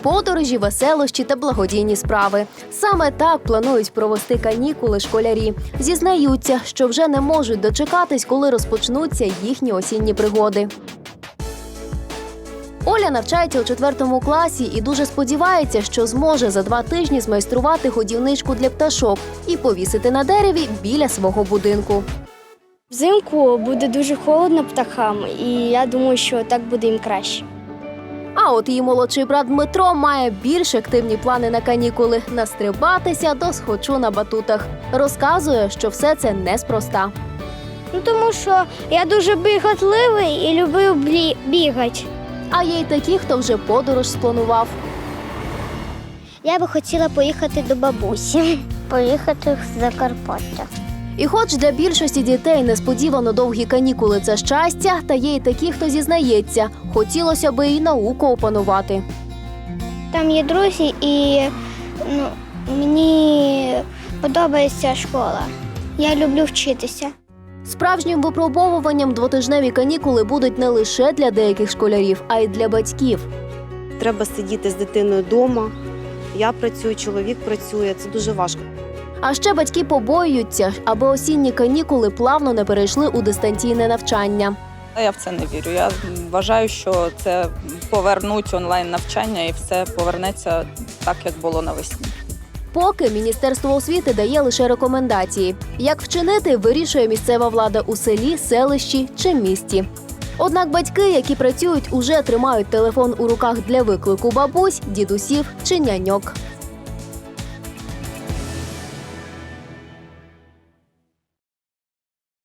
Подорожі, веселощі та благодійні справи. Саме так планують провести канікули школярі. Зізнаються, що вже не можуть дочекатись, коли розпочнуться їхні осінні пригоди. Оля навчається у 4 класі і дуже сподівається, що зможе за 2 тижні змайструвати годівничку для пташок і повісити на дереві біля свого будинку. Взимку буде дуже холодно птахам, і я думаю, що так буде їм краще. А от її молодший брат Дмитро має більш активні плани на канікули – настрибатися до схочу на батутах. Розказує, що все це неспроста. Тому що я дуже біготливий і люблю бігати. А є й такі, хто вже подорож спланував. Я би хотіла поїхати до бабусі. Поїхати в Закарпаття. І хоч для більшості дітей несподівано довгі канікули – це щастя, та є й такі, хто зізнається, хотілося би і науку опанувати. Там є друзі, і мені подобається школа. Я люблю вчитися. Справжнім випробовуванням двотижневі канікули будуть не лише для деяких школярів, а й для батьків. Треба сидіти з дитиною вдома. Я працюю, чоловік працює. Це дуже важко. А ще батьки побоюються, аби осінні канікули плавно не перейшли у дистанційне навчання. Я в це не вірю. Я вважаю, що це повернуть онлайн-навчання і все повернеться так, як було навесні. Поки Міністерство освіти дає лише рекомендації. Як вчинити, вирішує місцева влада у селі, селищі чи місті. Однак батьки, які працюють, уже тримають телефон у руках для виклику бабусь, дідусів чи няньок.